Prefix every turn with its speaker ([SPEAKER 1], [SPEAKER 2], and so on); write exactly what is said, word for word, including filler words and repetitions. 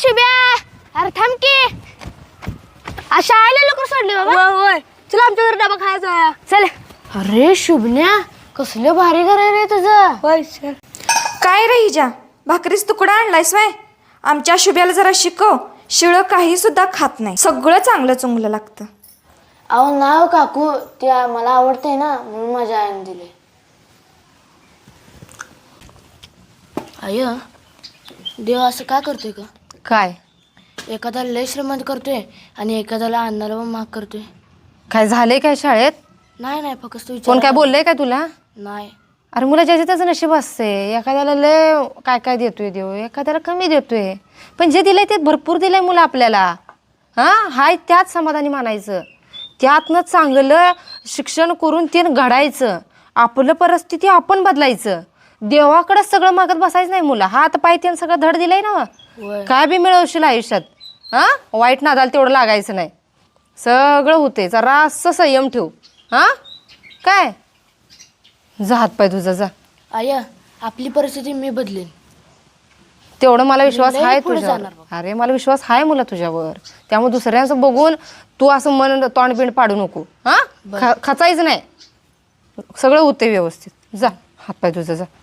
[SPEAKER 1] शुभ्या, अरे थांब की. आज शाळेला लवकर सोडली बाबा.
[SPEAKER 2] होय चला आमच्या घरी डबा खायचा.
[SPEAKER 1] चल. अरे शुभन्या, कसलं भारी घर आहे रे तुझं.
[SPEAKER 2] होय सर.
[SPEAKER 3] काय रे हिजा, भाकरीच तुकडा आणलायस व्हय? आमच्या शुभ्याला जरा शिकव. शिळं काही सुद्धा खात नाही, सगळं चांगलं चुंगलं लागतं.
[SPEAKER 1] अहो नाव काकू, ते मला आवडते ना म्हणून माझ्या आईने दिले. आय देव असं का करतोय का?
[SPEAKER 4] काय
[SPEAKER 1] एखाद्याला लय श्रीमंत करतोय आणि एखाद्याला अन्नाला पण माग करतोय.
[SPEAKER 4] काय झालंय काय शाळेत?
[SPEAKER 1] नाही नाही फक्त तू
[SPEAKER 4] कोण काय बोललंय काय तुला?
[SPEAKER 1] नाही.
[SPEAKER 4] अरे मुला ज्याचे त्याचं नशीब असते. एखाद्याला लय काय काय देतोय देव, एखाद्याला कमी देतोय. पण जे दिलंय ते भरपूर दिलंय मुलं आपल्याला. हां हाय त्यात समाधानी मानायचं, त्यातनं चांगलं शिक्षण करून ते घडायचं. आपलं परिस्थिती आपण बदलायचं. देवाकडे सगळं मागत बसायचं नाही. मुलं हात पाय त्यानं सगळं धड दिलंय ना. काय बी मिळवशील आयुष्यात. हां वाईट नादाला तेवढं लागायचं नाही. सगळं होते. जरा असं संयम ठेव. हां काय जा हात पाय तुझा जा.
[SPEAKER 1] आय आपली परिस्थिती मी बदलेन.
[SPEAKER 4] तेवढं मला विश्वास
[SPEAKER 1] लय
[SPEAKER 4] आहे
[SPEAKER 1] पुढे
[SPEAKER 4] तुझ्यावर.
[SPEAKER 1] जाणार बघ.
[SPEAKER 4] अरे मला विश्वास आहे मुला तुझ्यावर. त्यामुळे दुसऱ्यांचं बघून तू असं मन तोंड बिंड पाडू नको. हां खचायचं नाही. सगळं होते व्यवस्थित. जा हात पाय तुझा जा.